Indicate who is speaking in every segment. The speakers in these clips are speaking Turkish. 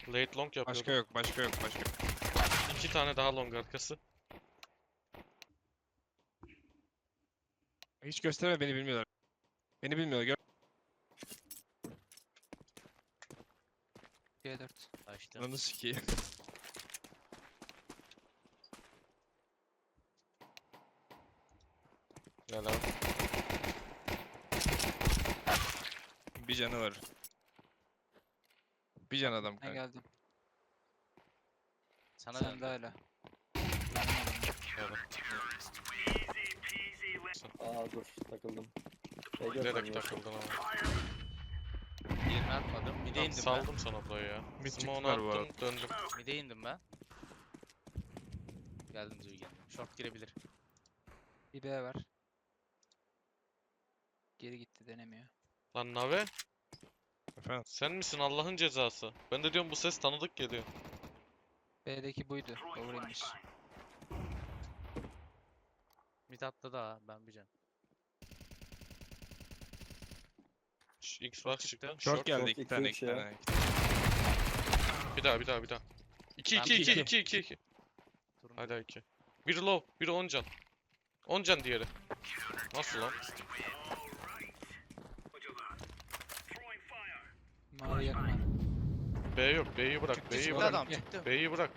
Speaker 1: Late long yapıyordum.
Speaker 2: Başka yok, başka yok, başka yok.
Speaker 1: 2 tane daha long arkası.
Speaker 2: Hiç gösterme, beni bilmiyorlar. Beni bilmiyorlar.
Speaker 3: G4.
Speaker 4: Açtım.
Speaker 2: Ananı sikeyim.
Speaker 1: Gel abi.
Speaker 2: Bir canı var. Bir can adam
Speaker 3: Ne
Speaker 2: kanka.
Speaker 3: geldim?
Speaker 4: Sana
Speaker 3: Sen
Speaker 4: döndüm.
Speaker 3: de hala.
Speaker 1: Gel.
Speaker 5: Aa dur takıldım.
Speaker 1: Bilerek takıldın ama.
Speaker 4: Birini atmadım. Mide
Speaker 1: Tamam,
Speaker 4: indim ben.
Speaker 1: saldım sana burayı ya.
Speaker 2: Mid
Speaker 1: Smoke'unu
Speaker 2: çıktılar bu
Speaker 1: attım, döndüm.
Speaker 4: Mide indim ben. Geldim Züğü geldim. Short girebilir.
Speaker 3: Bir B var. Geri gitti denemiyor.
Speaker 1: Lan Nave,
Speaker 2: Efendim.
Speaker 1: sen misin Allah'ın cezası? Ben de diyorum bu ses tanıdık geliyor.
Speaker 3: B'deki buydu. Over'inmiş.
Speaker 4: Mid atladı ha. Ben bir can.
Speaker 1: Xbox çıktı.
Speaker 2: Short geldi,
Speaker 5: short
Speaker 2: iki
Speaker 5: iki,
Speaker 2: tane,
Speaker 5: üç
Speaker 2: iki
Speaker 5: ya.
Speaker 2: tane.
Speaker 1: Bir daha, bir daha, bir daha. 2
Speaker 4: Ben
Speaker 1: 2
Speaker 4: bir
Speaker 1: 2
Speaker 4: can.
Speaker 1: 2 2 2.
Speaker 4: Turuncu.
Speaker 1: Hala 2. Biri low, biri 10 can. 10 can diğeri. Nasıl lan?
Speaker 3: Mavi yakma.
Speaker 1: B yok, B'yi bırak,
Speaker 2: Çıktı,
Speaker 1: B'yi
Speaker 2: çıktı
Speaker 4: Çıktı
Speaker 1: bırak.
Speaker 4: adam
Speaker 3: Gel.
Speaker 4: çıktı.
Speaker 1: B'yi bırak.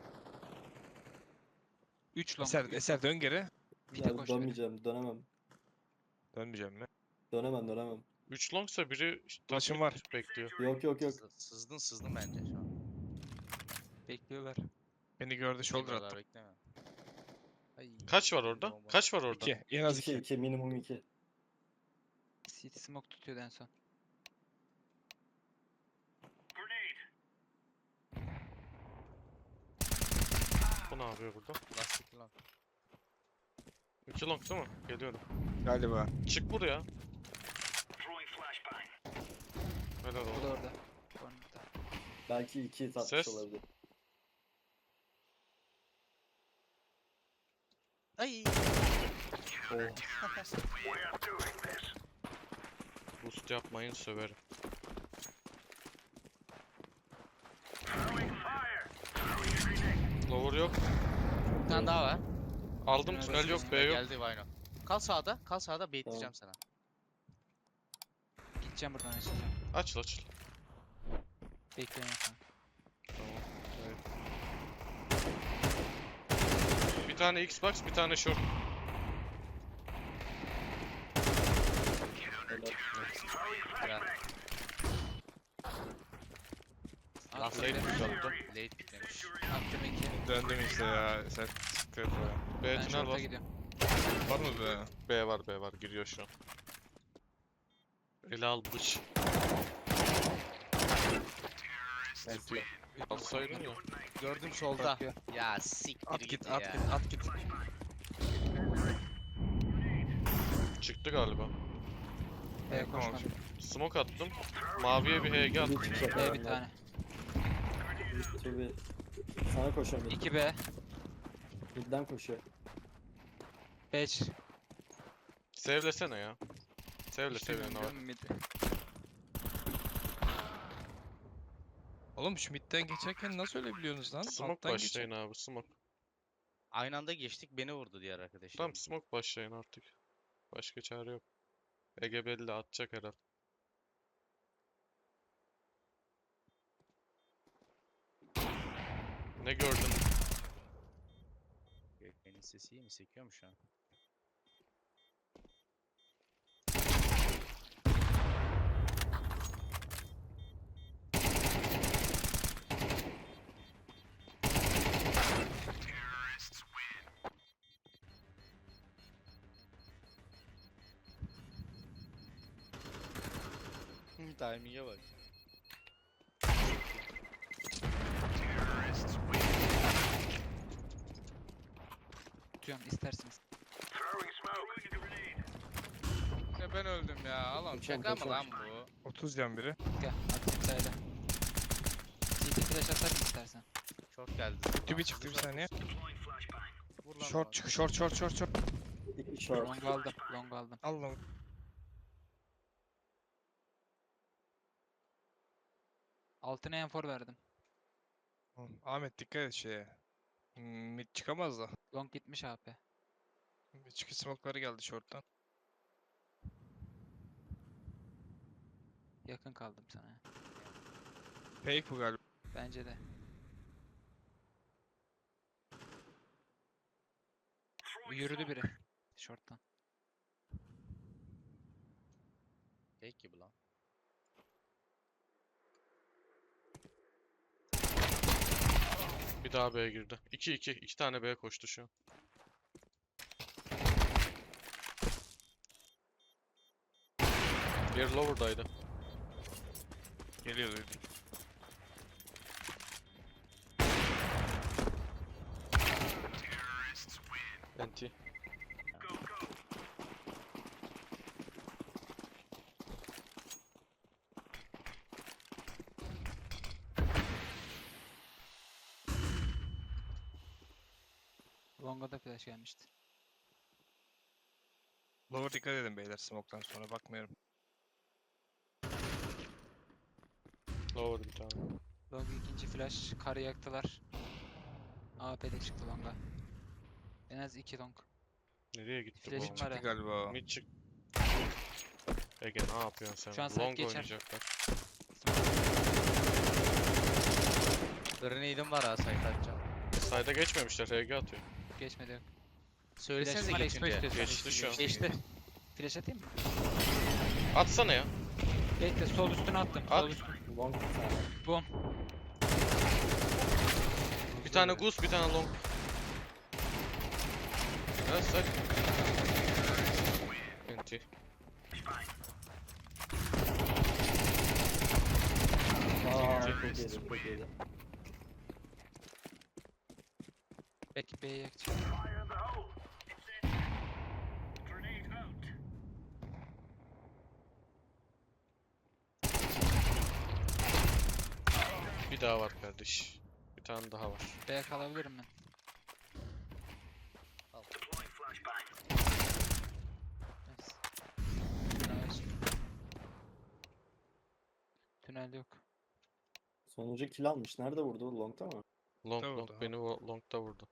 Speaker 3: 3 long.
Speaker 2: Eser dön geri.
Speaker 3: Mid'e
Speaker 5: Ya
Speaker 3: koş beni.
Speaker 5: dönmeyeceğim, dönemem.
Speaker 2: Dönmeyeceğim mi?
Speaker 5: Dönemem.
Speaker 1: 3 longsa biri
Speaker 2: Flash'ım var.
Speaker 1: bekliyor.
Speaker 5: Yok.
Speaker 4: Sızdın bence şu an.
Speaker 3: Bekliyorlar.
Speaker 2: Beni gördü, shoulder
Speaker 4: Bekliyorlar,
Speaker 2: attım.
Speaker 4: bekleme.
Speaker 3: Ay.
Speaker 1: Kaç var orada?
Speaker 4: Bomba.
Speaker 1: Kaç var orada?
Speaker 2: 2, en az 2.
Speaker 5: 2 minimum 2.
Speaker 3: City smoke tutuyordu en son.
Speaker 1: Bu ne yapıyor burada?
Speaker 4: Lastik lan.
Speaker 1: 2 long değil mi? Geliyorum.
Speaker 2: Galiba.
Speaker 1: Çık buraya. Helal
Speaker 3: Bu
Speaker 1: olsun.
Speaker 3: da orada. Corner'da.
Speaker 5: Belki 2 tatmış
Speaker 1: Ses.
Speaker 5: olabilir.
Speaker 4: Ay.
Speaker 5: Oh.
Speaker 1: Boost yapmayın söverim. Lower yok.
Speaker 4: Bir tane daha var.
Speaker 1: Aldım
Speaker 3: Tünel
Speaker 1: tünel yok, B yok.
Speaker 4: Geldi Vayno. Kal sağda. Kal sağda. Baitleyeceğim sana.
Speaker 3: Gideceğim buradan açacağım.
Speaker 1: Aç aç.
Speaker 3: Bekleyin efendim.
Speaker 1: Tamam. Evet. Bir tane Xbox, bir tane short.
Speaker 5: Helal.
Speaker 4: Güzel.
Speaker 3: Attım
Speaker 1: Late
Speaker 3: bir.
Speaker 1: push attım.
Speaker 4: Late bitmemiş.
Speaker 3: Attım 2.
Speaker 2: Döndüm işte ya. Sen sıkıntı yok ya.
Speaker 1: B
Speaker 3: Ben
Speaker 1: tünel
Speaker 3: short'a
Speaker 1: var.
Speaker 3: gidiyorum.
Speaker 2: Var mı be?
Speaker 1: B var, giriyor şu an. Ele al bıç.
Speaker 5: Nice.
Speaker 1: Alsaydın ya.
Speaker 4: Gördüm solda.
Speaker 3: Bakıyor.
Speaker 4: Ya siktir
Speaker 2: At git,
Speaker 4: ya.
Speaker 2: at git.
Speaker 1: Çıktı galiba.
Speaker 3: B'ye
Speaker 2: Tamam,
Speaker 3: koşmadım.
Speaker 1: Smoke attım. Maviye bir HG
Speaker 5: Bir
Speaker 1: attım.
Speaker 5: çıkacak
Speaker 3: B bir
Speaker 5: adamlar.
Speaker 3: tane.
Speaker 5: Tabii. Sana koşuyorum.
Speaker 3: 2 B.
Speaker 5: Midden koşuyor.
Speaker 3: 5.
Speaker 1: Sevlesene ya. Sevle ne var.
Speaker 2: Oğlum şu midden geçerken nasıl öyle biliyorsunuz lan?
Speaker 1: Smoke
Speaker 2: Alttan
Speaker 1: başlayın abi, smoke.
Speaker 4: Aynı anda geçtik, beni vurdu diğer arkadaşım.
Speaker 1: Tamam, smoke başlayın artık. Başka çare yok. Ege belli atacak herhal. Ne gördün?
Speaker 4: Gökmen'in sesi iyi mi? Sekiyor mu şu an? Timing'e bak.
Speaker 3: Tutuyorum isterseniz.
Speaker 4: Ya ben öldüm ya. Oğlum
Speaker 5: Kaçıyorum,
Speaker 4: şaka mı lan
Speaker 5: kaçıyorum.
Speaker 4: bu?
Speaker 2: 30 can biri.
Speaker 3: Gel. Attım sayıda. CT flash atarım istersen.
Speaker 4: Short geldi.
Speaker 2: Tübi çıktı bir saniye.
Speaker 4: Vur lan
Speaker 2: Short
Speaker 4: bana.
Speaker 2: çık, short.
Speaker 5: 2 short.
Speaker 3: Long aldım. Long aldım.
Speaker 2: Al lan.
Speaker 3: Altına enfor verdim.
Speaker 2: Ahmet dikkat et şeye. Mid çıkamaz da.
Speaker 3: Long gitmiş AP.
Speaker 2: Mid çıkı smoke'ları geldi short'tan.
Speaker 3: Yakın kaldım sana.
Speaker 2: Fake bu galiba.
Speaker 3: Bence de. Yürüdü biri. Short'tan.
Speaker 4: Tek gibi lan.
Speaker 1: Bir daha B'ye girdi. 2-2. 2 tane B'ye koştu şu an. Diğeri lower'daydı.
Speaker 2: Geliyor duydum.
Speaker 1: NT.
Speaker 3: Long'a da flash gelmişti.
Speaker 2: Lower dikkat edin beyler smoke'tan sonra bakmıyorum.
Speaker 1: Lower bir tane.
Speaker 3: Long ikinci flash. Karı yaktılar. AP'de çıktı Long'a. En az 2 long.
Speaker 1: Nereye gitti bu?
Speaker 3: Flash'im
Speaker 1: oğlum?
Speaker 3: var.
Speaker 2: Çıktı galiba o.
Speaker 1: Mid çık. Ege ne yapıyorsun sen?
Speaker 3: Şu an side
Speaker 1: Long
Speaker 3: geçer.
Speaker 1: oynayacaklar.
Speaker 4: Grenade'im var ha site atacağım.
Speaker 1: Side'a geçmemişler. RG atıyor.
Speaker 3: Geçmedi yok.
Speaker 4: Söylesenize
Speaker 3: Flash'im var, expo
Speaker 4: geçince.
Speaker 3: istiyorsan.
Speaker 1: Geçti şu an.
Speaker 3: Geçti. Flash atayım mı?
Speaker 1: Atsana ya.
Speaker 3: Bekle sol üstüne attım.
Speaker 1: At.
Speaker 3: Sol üstüne.
Speaker 5: Long bir tane.
Speaker 3: Boom.
Speaker 1: Bir tane goose, bir tane long. Evet, side. NT.
Speaker 5: Çok iyiydi, çok iyiydi.
Speaker 3: Belki B'ye yakacak.
Speaker 1: Bir daha var kardeş. Bir tane daha var.
Speaker 3: B'ye kalabilirim ben.
Speaker 4: Al.
Speaker 3: Nice. Nice. Tünel yok.
Speaker 5: Sonuncu kill almış. Nerede vurdu? Long'ta mı?
Speaker 1: Long
Speaker 2: Vurdu,
Speaker 1: long
Speaker 2: ha.
Speaker 1: beni long'da vurdu.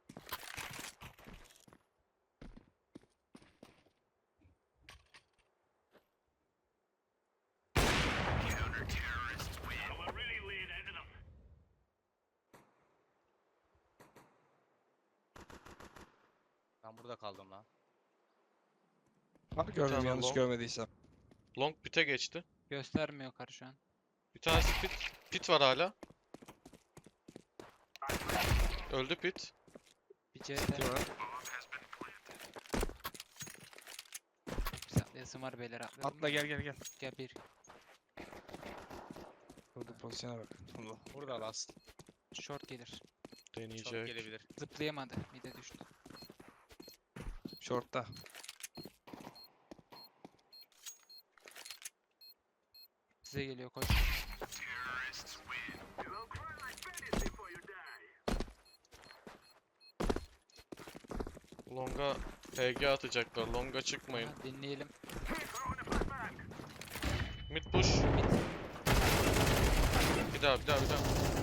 Speaker 4: Ben burada kaldım lan.
Speaker 2: Var gördüm
Speaker 1: tane
Speaker 2: yanlış
Speaker 1: long.
Speaker 2: görmediysem.
Speaker 1: Long pit'e geçti.
Speaker 3: Göstermiyor karı şu an.
Speaker 1: Bir tanesi pit. Pit var hala. Öldü pit.
Speaker 3: Bir CT.
Speaker 2: Var.
Speaker 3: Saklayasım var beyler atlayalım.
Speaker 2: Atla gel gel gel.
Speaker 3: Gel bir.
Speaker 2: Burada pozisyona bak. Allah.
Speaker 4: Burada last.
Speaker 3: Short gelir.
Speaker 4: Çok
Speaker 1: Deneyecek.
Speaker 4: gelebilir.
Speaker 3: Zıplayamadı. Mide düştü.
Speaker 2: Short'ta.
Speaker 3: Size geliyor koş.
Speaker 1: Long'a PG atacaklar. Long'a çıkmayın.
Speaker 3: Ha, dinleyelim.
Speaker 1: Mid push. Bir daha, bir daha, bir daha.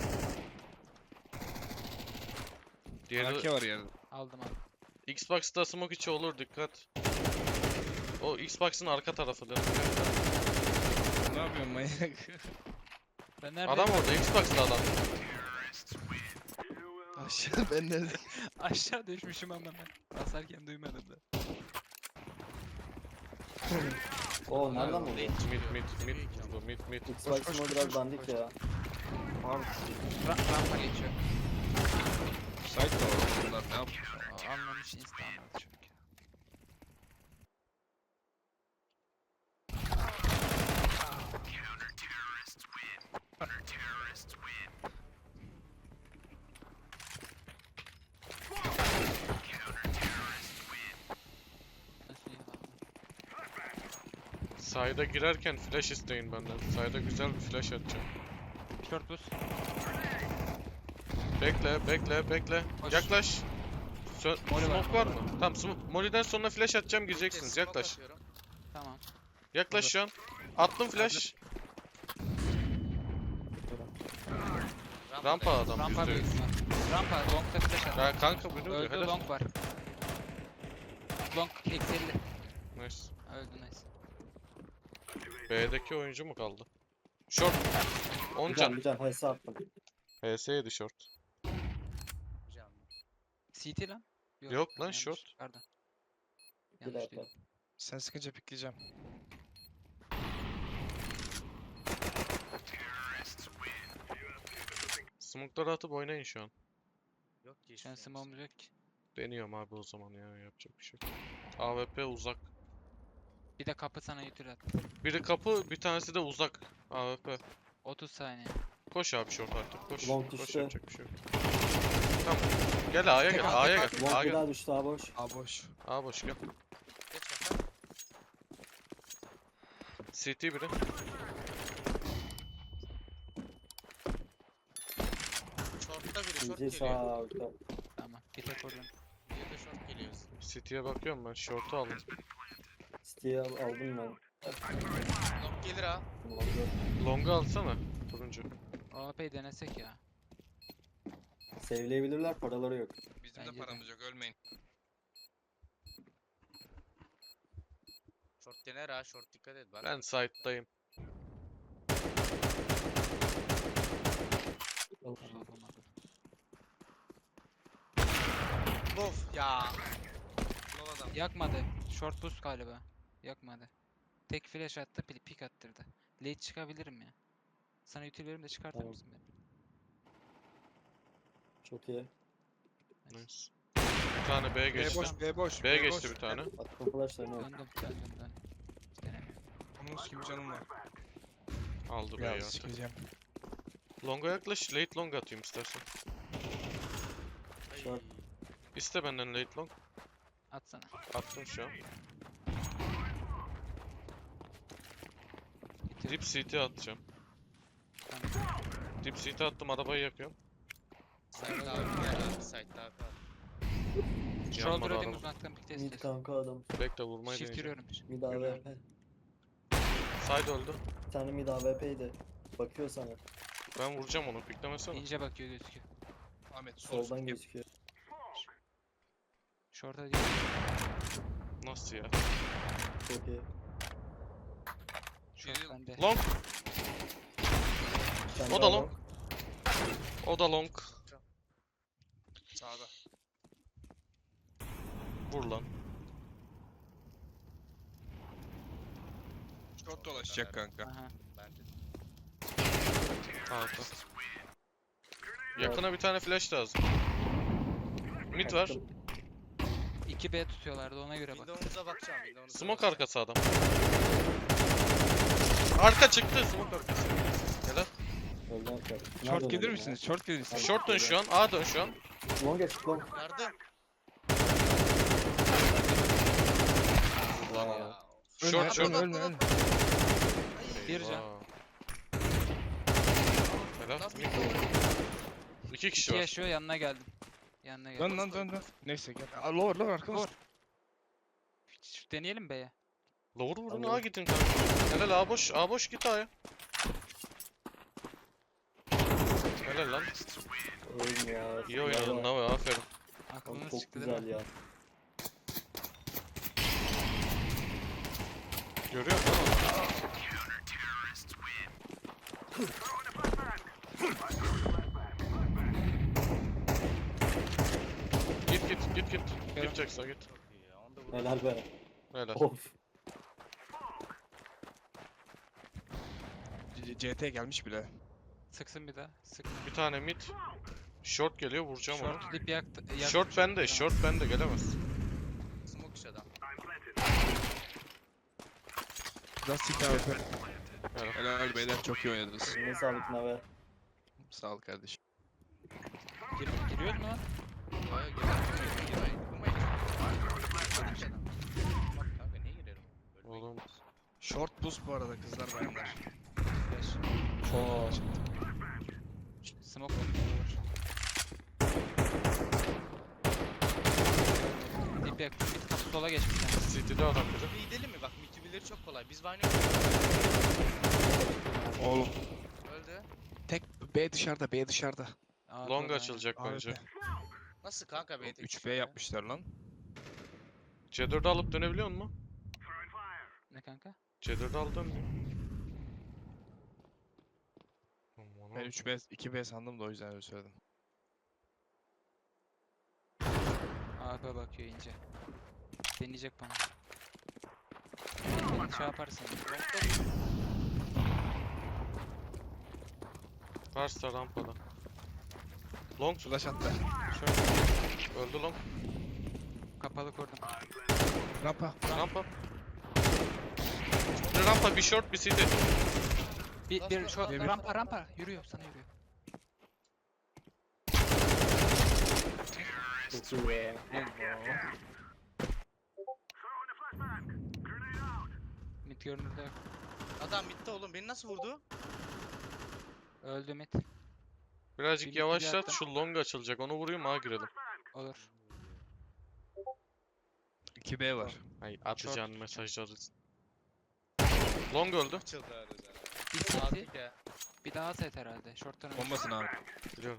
Speaker 1: Diğeri
Speaker 2: AK var yerde.
Speaker 3: Aldım aldım.
Speaker 1: Xbox'ta smoke içi olur, dikkat. O Xbox'ın arka tarafı da.
Speaker 2: Ne yapıyorsun manyak?
Speaker 3: Ben nerede?
Speaker 1: Adam orada, Xbox'ta adam.
Speaker 2: Aşağı ben nerede?
Speaker 3: Aşağı düşmüşüm ama ben. Basarken duymadım da.
Speaker 5: Oo nereden vurdu?
Speaker 1: Mid vurdu, mid.
Speaker 5: Xbox'ın o biraz dandik ya.
Speaker 2: Abi
Speaker 3: Rampa geçiyor.
Speaker 2: site de var bunlar ne yapıyor?
Speaker 3: Anlamış insta anladı çünkü. Nasıl ya?
Speaker 1: Side'a girerken flash isteyin benden. Side'a güzel bir flash atacağım.
Speaker 3: Short boost.
Speaker 1: Bekle.
Speaker 3: Koş.
Speaker 1: Yaklaş.
Speaker 3: Molly var,
Speaker 1: Smoke var mı? Tamam, Molly'den sonra flash atacağım, gireceksiniz.
Speaker 4: Smoke
Speaker 1: Yaklaş.
Speaker 4: atıyorum.
Speaker 3: Tamam.
Speaker 1: Yaklaş şu an. Attım flash. Rampa adam
Speaker 3: Rampa
Speaker 1: %100.
Speaker 3: büyük ihtimal. Rampa long'da flash attı.
Speaker 1: Ya kanka bu ne oluyor?
Speaker 3: Öldü
Speaker 1: Helal.
Speaker 3: long var. Long eksi 50.
Speaker 1: Nice.
Speaker 3: Öldü nice.
Speaker 1: B'deki oyuncu mu kaldı? Short. 10
Speaker 5: Bir can
Speaker 1: can.
Speaker 5: bir can HS attım.
Speaker 1: HS yedi short.
Speaker 4: Hocam.
Speaker 3: CT lan.
Speaker 1: Yok lan,
Speaker 3: yanlış.
Speaker 1: short.
Speaker 3: Pardon.
Speaker 5: Bir
Speaker 3: Yanlış
Speaker 5: dakika.
Speaker 3: değil.
Speaker 2: Sen sıkınca pikleyeceğim.
Speaker 1: Smoke'ları atıp oynayın şu an.
Speaker 4: Yok ki
Speaker 3: Şu an
Speaker 4: hiçbir şeyimiz.
Speaker 3: smoke'um yok ki.
Speaker 1: Deniyorum abi o zaman ya, yapacak bir şey yok. AWP uzak.
Speaker 3: Bir de kapı sana yutur at.
Speaker 1: Biri kapı, bir tanesi de uzak. AWP.
Speaker 3: 30 saniye.
Speaker 1: Koş abi short artık. Koş.
Speaker 5: Long
Speaker 1: Koş,
Speaker 5: düştü.
Speaker 1: yapacak bir şey yok. Tamam. Gel A'ya gel. A'ya gel.
Speaker 5: Long
Speaker 1: A'ya
Speaker 5: bir
Speaker 1: gel.
Speaker 5: daha düştü abi boş.
Speaker 2: A boş.
Speaker 1: A boş gel.
Speaker 4: Geç bakalım.
Speaker 1: CT biri.
Speaker 4: Short'ta biri short
Speaker 5: İnce
Speaker 4: geliyor.
Speaker 5: sağ orta.
Speaker 3: Tamam. Bir tek oradan.
Speaker 4: Bir de short geliyor.
Speaker 1: CT'ye bakıyorum ben. Short'u aldım.
Speaker 5: City'yi aldım ben.
Speaker 4: Long gelir ha.
Speaker 5: Long'u
Speaker 1: Long'u alsana. Turuncu.
Speaker 3: AWP'yi denesek ya.
Speaker 5: Save'leyebilirler, paraları yok.
Speaker 2: Bizim
Speaker 3: Bence
Speaker 2: de
Speaker 3: de.
Speaker 2: paramız yok, ölmeyin.
Speaker 4: Short dener ha. Short dikkat et bak.
Speaker 1: Ben side'dayım.
Speaker 3: Sokama.
Speaker 4: Of ya. Lol adam.
Speaker 3: Yakmadı. Short boost galiba. Yakmadı. Tek flash attı, pick attırdı. Late çıkabilirim ya. Sana util veririm de çıkartır
Speaker 5: Tamam.
Speaker 3: mısın beni?
Speaker 5: Çok iyi.
Speaker 1: Nice. Bir tane B
Speaker 2: B
Speaker 1: geçti.
Speaker 2: boş, B boş.
Speaker 1: B geçti bir tane.
Speaker 5: Attım flash'larını.
Speaker 3: Döndüm. Denemiyorum.
Speaker 2: Onun gibi canım var.
Speaker 1: Aldı B'yi
Speaker 2: Ya
Speaker 1: artık.
Speaker 2: sikeceğim.
Speaker 1: Long'a yaklaş. Late long atayım istersen.
Speaker 5: Short.
Speaker 1: İste benden late long.
Speaker 3: Atsana.
Speaker 1: Attım şu an.
Speaker 3: Bitir.
Speaker 1: Dip CT atacağım.
Speaker 3: Tamam.
Speaker 1: Dip CT attım, arabayı yakıyorum.
Speaker 4: Side daha bir yer abi. Side daha kal.
Speaker 3: Shoulder
Speaker 1: Yanmadı
Speaker 3: edeyim
Speaker 1: araba.
Speaker 3: uzaktan pick test
Speaker 5: Mid
Speaker 3: et.
Speaker 5: kanka adam.
Speaker 1: Bekle, vurmayı
Speaker 3: Shift
Speaker 1: deneyeceğim.
Speaker 3: giriyorum.
Speaker 5: Mid AWP.
Speaker 1: Side öldü.
Speaker 5: Bir tane mid AWP'ydi. Bakıyor sana.
Speaker 1: Ben vuracağım onu, piklemesene.
Speaker 3: Ninja bakıyor gözüküyor.
Speaker 2: Ahmet sol.
Speaker 5: Soldan gözüküyor.
Speaker 3: Short'a değil.
Speaker 1: Nasıl ya?
Speaker 5: Çok iyi.
Speaker 3: Short bende.
Speaker 1: Long.
Speaker 5: Bir tane
Speaker 1: O da
Speaker 5: daha
Speaker 1: long. O da long.
Speaker 2: Sağda.
Speaker 1: Vur lan.
Speaker 2: Short dolaşacak kanka.
Speaker 3: Aha.
Speaker 4: Bence de.
Speaker 1: Altta. Yakına bir tane flash lazım. Mid var.
Speaker 5: Attım.
Speaker 3: 2B tutuyorlardı ona göre bak.
Speaker 4: Windows'a bakacağım. Windows'a
Speaker 1: Smoke
Speaker 4: bakacağım.
Speaker 1: arkası adam. Arka çıktı. Smoke arkası. Helal.
Speaker 5: Öldü arkadaş.
Speaker 2: Short gelir misiniz? Short gelir misiniz?
Speaker 1: Short dön şu an. A dön şu an.
Speaker 5: Long geç long.
Speaker 4: Yardım.
Speaker 1: Lan
Speaker 4: Ya.
Speaker 1: ya.
Speaker 2: Ölme,
Speaker 1: Short short.
Speaker 2: ölme, ölme.
Speaker 3: Bir can.
Speaker 1: Eyvah. Helal.
Speaker 4: Nasıl
Speaker 1: Mid. İki kişi
Speaker 3: İki
Speaker 1: var.
Speaker 3: yaşıyor yanına geldim. Yanına geldim.
Speaker 2: Dön. Neyse gel. Aa, lower arkamız.
Speaker 3: Vur. Deneyelim B'ye.
Speaker 1: Lower vurun,
Speaker 5: Tamam.
Speaker 1: A gidin kanka. Helal, A boş. A boş, git A'ya. Helal lan.
Speaker 5: Oyun ya.
Speaker 1: İyi oynadın Nave, aferin.
Speaker 5: Oğlum
Speaker 3: Aklımız
Speaker 5: çok
Speaker 3: çıktı değil
Speaker 5: güzel
Speaker 3: mi?
Speaker 5: ya.
Speaker 1: Görüyor musun? Git. Gidecekse git.
Speaker 4: Çok iyi ya. Onu da vurdum.
Speaker 5: Helal be.
Speaker 1: Helal.
Speaker 5: Of.
Speaker 2: CT gelmiş bile.
Speaker 3: Sıksın bir daha. Sık.
Speaker 1: Bir tane mid. Short geliyor, vuracağım onu.
Speaker 3: Short dip yaktı.
Speaker 1: Short bende, short bende, gelemez.
Speaker 4: Smoke iş adam.
Speaker 2: Lastik abi.
Speaker 1: Helal.
Speaker 2: Helal beyler, çok iyi oynadınız.
Speaker 5: Eline sağlık Nave.
Speaker 2: Sağ ol kardeşim.
Speaker 3: Giriyoruz mu lan?
Speaker 4: Ya girmeyin. Smoke iş adam. Bak kanka niye girerim? Ölmeyin.
Speaker 1: Oğlum.
Speaker 2: Short boost bu arada kızlar bayanlar.
Speaker 3: Flash.
Speaker 2: Çok.
Speaker 3: Smoke var. Dip yaktı. Mid kapı sola geçmiş. Yani.
Speaker 1: City'de adam biri.
Speaker 4: Bir gidelim mi? Bak mitibileri çok kolay. Biz Vayne
Speaker 2: Oğlum.
Speaker 4: öldü.
Speaker 2: Tek B dışarıda, B dışarıda.
Speaker 3: A
Speaker 1: Long
Speaker 3: doğru,
Speaker 1: açılacak
Speaker 2: AWP.
Speaker 1: bence.
Speaker 4: Nasıl kanka
Speaker 2: Oğlum,
Speaker 4: B'de
Speaker 2: 3B yapmışlar lan.
Speaker 1: C4'ü alıp dönebiliyor musun?
Speaker 3: aynen. Ne kanka?
Speaker 1: C4'ü al dön.
Speaker 2: Ben 3B, 2B sandım da o yüzden öyle söyledim.
Speaker 3: AP bakıyor ince. Deneyecek bana. Beni şey yaparsın.
Speaker 1: Varsa rampada. Long
Speaker 2: Flash attı.
Speaker 1: öldü long.
Speaker 3: Kapalı kurdum.
Speaker 2: Rampa.
Speaker 1: Rampa. Bir rampa, bir short, bir city.
Speaker 3: Bir şu
Speaker 2: Demir.
Speaker 3: rampa yürüyor sana yürüyor.
Speaker 5: Çok iyi be.
Speaker 3: Mid görünürde yok.
Speaker 4: Adam bitti oğlum. Beni nasıl vurdu?
Speaker 3: Öldü mid.
Speaker 1: Birazcık
Speaker 3: Bir
Speaker 1: yavaşlat,
Speaker 3: attım.
Speaker 1: şu long açılacak. Onu vurayım, A girelim.
Speaker 3: Olur.
Speaker 2: 2B var.
Speaker 1: Ay atacağın mesajları. Long öldü.
Speaker 4: Açıldı herhalde.
Speaker 3: Bir city.
Speaker 4: Aldık ya.
Speaker 3: Bir daha set herhalde. Short'tan önce.
Speaker 2: Bombasın abi.
Speaker 1: Biliyorum.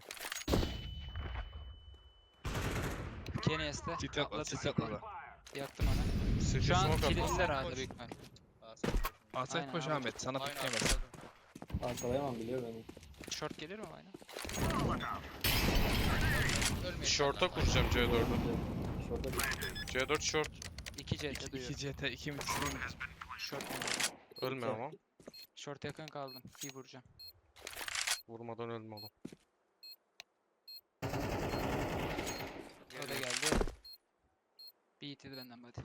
Speaker 3: Kenny'este.
Speaker 2: City atladı, City atladı.
Speaker 3: Yaktım onu.
Speaker 1: City
Speaker 3: Şu an
Speaker 1: smoke attı.
Speaker 3: kilitler herhalde
Speaker 4: Koş.
Speaker 3: büyük ihtimal.
Speaker 2: Asayt
Speaker 3: Aynen
Speaker 2: koş
Speaker 3: abi.
Speaker 2: Ahmet, sana
Speaker 4: Aynen
Speaker 2: pikleyemez.
Speaker 4: atladım.
Speaker 5: Arkalayamam biliyor beni.
Speaker 3: Short gelir mi aynen?
Speaker 4: Ölmeyin
Speaker 1: Short'a
Speaker 4: inşallah.
Speaker 1: kuracağım C4'ü.
Speaker 5: Şurada bir
Speaker 1: C4 short.
Speaker 3: 2 CT
Speaker 2: 2
Speaker 3: duyuyorum.
Speaker 2: CT, 2 mid, 2 mid.
Speaker 3: Short.
Speaker 1: Ölme ama.
Speaker 3: Short yakın kaldım. Bir vuracağım.
Speaker 1: Vurmadan ölme oğlum.
Speaker 3: O da geldi. Bir itidi benden hadi.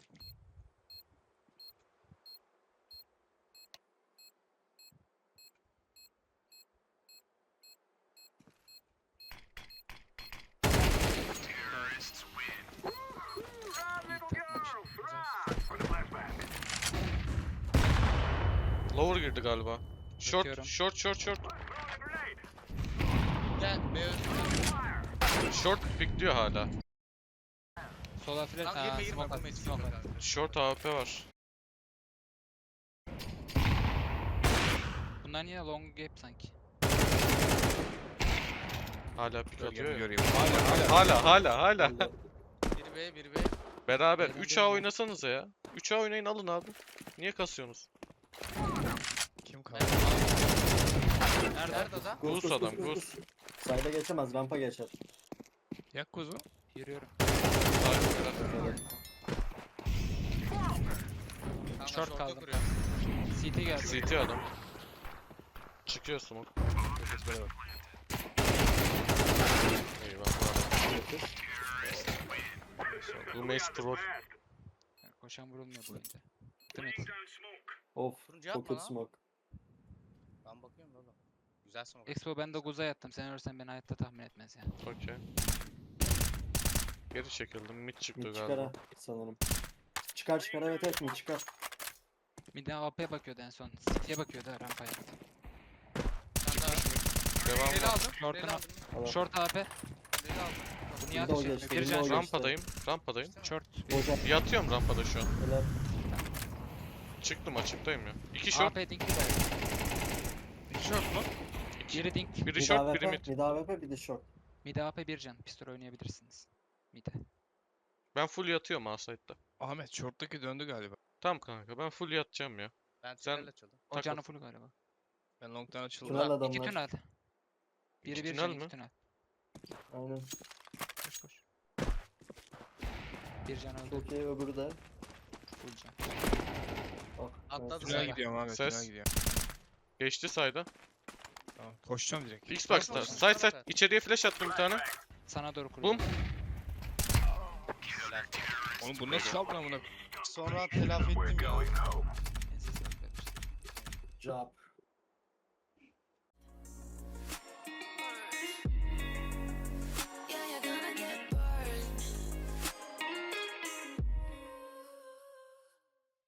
Speaker 1: Lower girdi galiba. Short,
Speaker 3: Bakıyorum.
Speaker 1: short.
Speaker 4: Gel B öldü.
Speaker 1: Short pikliyor hala.
Speaker 3: Sola flash.
Speaker 4: Kanka
Speaker 3: Aa,
Speaker 4: girme girme.
Speaker 3: smoke
Speaker 4: Bulmayı
Speaker 3: attı, smoke attı.
Speaker 4: kanka.
Speaker 1: Short AWP var.
Speaker 3: Bunlar niye long gap sanki?
Speaker 1: Hala pik atıyor
Speaker 2: Bölgemi
Speaker 1: ya.
Speaker 2: göreyim. Hala.
Speaker 1: Hala.
Speaker 5: Öldü.
Speaker 4: Biri B biri B.
Speaker 1: Beraber
Speaker 3: Beyler
Speaker 1: 3A
Speaker 3: gelin.
Speaker 1: oynasanıza ya. 3A oynayın alın abi. Niye kasıyorsunuz?
Speaker 2: Kim
Speaker 4: Ben
Speaker 2: kaldı?
Speaker 4: Nerede adam?
Speaker 1: Gus
Speaker 5: Gus,
Speaker 1: adam,
Speaker 5: gus,
Speaker 1: gus.
Speaker 5: gus. Sayda geçemez, rampa geçer.
Speaker 2: Yak kuzu.
Speaker 3: Yürüyorum.
Speaker 4: Kanka
Speaker 3: Short
Speaker 4: short'a
Speaker 3: kaldım.
Speaker 4: kuruyor.
Speaker 3: CT geldi.
Speaker 1: CT adam. Çıkıyor smoke. Eyvallah.
Speaker 5: Geçir.
Speaker 1: Bu mace troll.
Speaker 3: Yani koşan vurulmuyor bu oyunda. Değil mi?
Speaker 5: Of,
Speaker 4: Turuncu yapma
Speaker 5: çok kötü
Speaker 4: lan.
Speaker 5: smoke.
Speaker 4: Ben bakıyorum da oğlum. Güzel smoke.
Speaker 3: Expo ben de Guz'a yattım. Sen ölürsen beni hayatta tahmin etmez yani.
Speaker 1: Okey. Geri çekildim. Mid çıktı
Speaker 5: Mid çıkar
Speaker 1: galiba.
Speaker 5: ha sanırım. Çıkar evet mid çıkar.
Speaker 3: Bir de AP'ye bakıyordu en son. City'ye bakıyordu rampaya.
Speaker 4: Sen daha.
Speaker 1: Devam
Speaker 4: Reli
Speaker 1: var.
Speaker 4: aldım.
Speaker 3: Short'unu
Speaker 4: Reli aldım.
Speaker 5: Allah.
Speaker 3: Short AP.
Speaker 4: Reli aldım.
Speaker 3: Bu niye
Speaker 5: Window
Speaker 3: atışıyor?
Speaker 5: geçti,
Speaker 3: Bir can
Speaker 5: window
Speaker 3: short.
Speaker 5: geçti.
Speaker 1: Rampadayım.
Speaker 3: Short.
Speaker 5: Hocam
Speaker 1: Yatıyorum rampada şu an.
Speaker 5: helal.
Speaker 1: Çıktım açıktayım ya. 2 short.
Speaker 3: AP dinkli de.
Speaker 1: 2 short mu?
Speaker 3: Biri dink.
Speaker 1: Biri
Speaker 5: Mid
Speaker 1: short, biri
Speaker 5: AWP,
Speaker 1: mid.
Speaker 5: mid AWP bir de short.
Speaker 3: Mid AP bir can. Pistol oynayabilirsiniz. Mid'e.
Speaker 1: Ben full yatıyorum A-side'da.
Speaker 2: Ahmet short'taki döndü galiba.
Speaker 1: Tamam kanka ben full yatacağım ya.
Speaker 4: Ben
Speaker 1: Sen-
Speaker 4: tünel açıldım.
Speaker 3: O
Speaker 1: Takıl.
Speaker 3: canı full galiba.
Speaker 2: Ben long'dan açıldım.
Speaker 5: Tünel
Speaker 3: İki
Speaker 5: adamlar.
Speaker 3: tünel. Biri
Speaker 1: İki
Speaker 3: bir
Speaker 1: tünel
Speaker 3: can,
Speaker 1: mi?
Speaker 3: iki tünel.
Speaker 5: Aynen.
Speaker 3: Koş koş. Bir can öldü.
Speaker 5: Çok iyi öbürü de.
Speaker 3: Full can.
Speaker 5: Oh,
Speaker 4: Atladı
Speaker 5: evet.
Speaker 2: Tünel
Speaker 4: Sayda.
Speaker 2: gidiyorum Ahmet,
Speaker 1: Ses.
Speaker 2: tünel gidiyorum.
Speaker 1: Geçti sayda.
Speaker 2: Tamam, koşacağım direkt.
Speaker 1: Xbox'ta.
Speaker 4: Koş,
Speaker 1: Side
Speaker 4: koş,
Speaker 1: side.
Speaker 4: koş.
Speaker 1: İçeriye flash attım bir tane.
Speaker 3: Sana doğru
Speaker 1: Bum.
Speaker 3: kuruyorum.
Speaker 4: Helal.
Speaker 2: Oğlum bu nasıl kaldı lan buna?
Speaker 4: Sonra telafi ettim ya.
Speaker 3: Ensiz yok kardeşim.
Speaker 5: Job.